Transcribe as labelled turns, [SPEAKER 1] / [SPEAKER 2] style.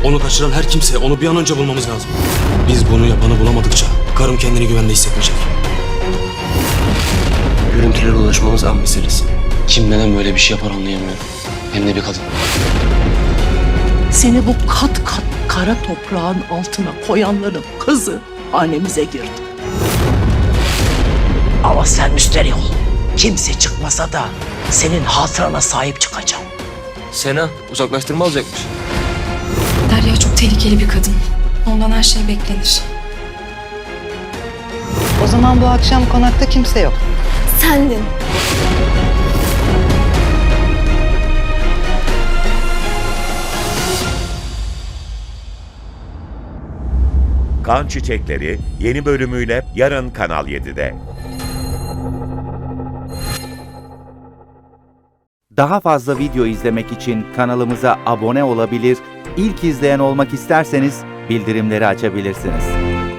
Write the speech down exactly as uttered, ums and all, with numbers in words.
[SPEAKER 1] Onu kaçıran her kimse, onu bir an önce bulmamız lazım. Biz bunu yapanı bulamadıkça karım kendini güvende hissetmeyecek. Görüntülere ulaşmamız an meselesi. Kim neden böyle bir şey yapar anlayamıyorum. Hem de bir kadın.
[SPEAKER 2] Seni bu kat kat kara toprağın altına koyanların kızı hanemize girdi. Ama sen müsterih ol. Kimse çıkmasa da senin hatırana sahip çıkacağım.
[SPEAKER 1] Sena uzaklaştırma alacakmış.
[SPEAKER 3] Derya çok tehlikeli bir kadın. Ondan her şey beklenir.
[SPEAKER 4] O zaman bu akşam konakta kimse yok.
[SPEAKER 3] Sendin.
[SPEAKER 5] Kan Çiçekleri yeni bölümüyle yarın Kanal yedide.
[SPEAKER 6] Daha fazla video izlemek için kanalımıza abone olabilir, ilk izleyen olmak isterseniz bildirimleri açabilirsiniz.